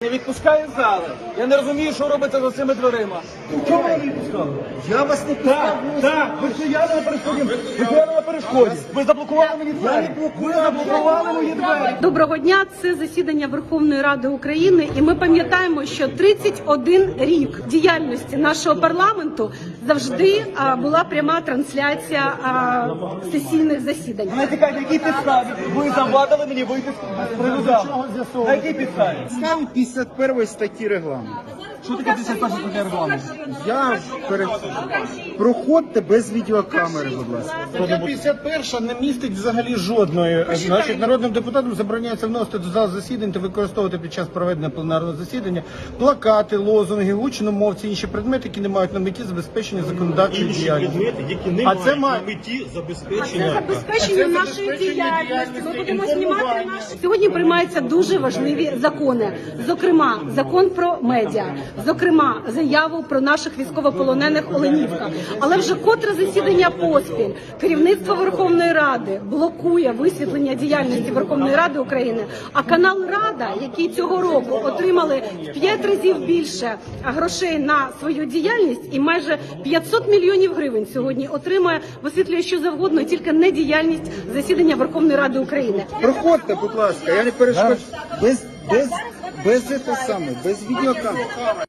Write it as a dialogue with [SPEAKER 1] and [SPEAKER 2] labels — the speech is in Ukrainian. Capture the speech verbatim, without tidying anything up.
[SPEAKER 1] Не відпускає з зали. Я не розумію, що робиться за цими дверима. Чому ви не відпускали?
[SPEAKER 2] Я вас не пускав.
[SPEAKER 1] Так, так, ви стояли на перешкоді. Ви стояли на перешкоді. Ви заблокували мені двері. Ви заблокували мої двері.
[SPEAKER 3] Доброго дня. Це засідання Верховної Ради України, і ми пам'ятаємо, що тридцять один рік діяльності нашого парламенту завжди а, була пряма трансляція а, сесійних засідань.
[SPEAKER 1] Не тікайте, які підставі? Ви завадили мені вийти з приводу. На якій підставі?
[SPEAKER 2] Став п'ятдесят першої статті регламенту.
[SPEAKER 1] Що таке п'ятдесят перша стаття регламенту?
[SPEAKER 2] Я перед... Проходьте без відеокамери, будь ласка.
[SPEAKER 4] Стаття п'ятдесят перша не містить взагалі жодної. Значить, народним депутатам забороняється вносити до зал засідань та використовувати під час проведення пленарного засідання плакати, лозунги, гучномовці, інші предмети, які не мають на меті забезпечення законодавчої
[SPEAKER 5] Інші
[SPEAKER 4] діяльності.
[SPEAKER 5] предмети, які не
[SPEAKER 4] А
[SPEAKER 5] мають
[SPEAKER 4] це має-
[SPEAKER 5] на меті
[SPEAKER 3] Це
[SPEAKER 5] забезпечення.
[SPEAKER 3] забезпечення нашої діяльності. Ми будемо знімати наші. Сьогодні приймаються дуже важливі закони. Зокрема, закон про медіа, зокрема, заяву про наших військовополонених Оленівка. Але вже котре засідання поспіль керівництво Верховної Ради блокує висвітлення діяльності Верховної Ради України. А канал Рада, який цього року отримали в п'ять разів більше грошей на свою діяльність, і майже п'ятсот мільйонів гривень сьогодні отримує, висвітлює що завгодно, тільки не діяльність засідання Верховної Ради України.
[SPEAKER 2] Проходьте, будь ласка, я не перешкоджу. Без, без, без, це саме, без відеокамери.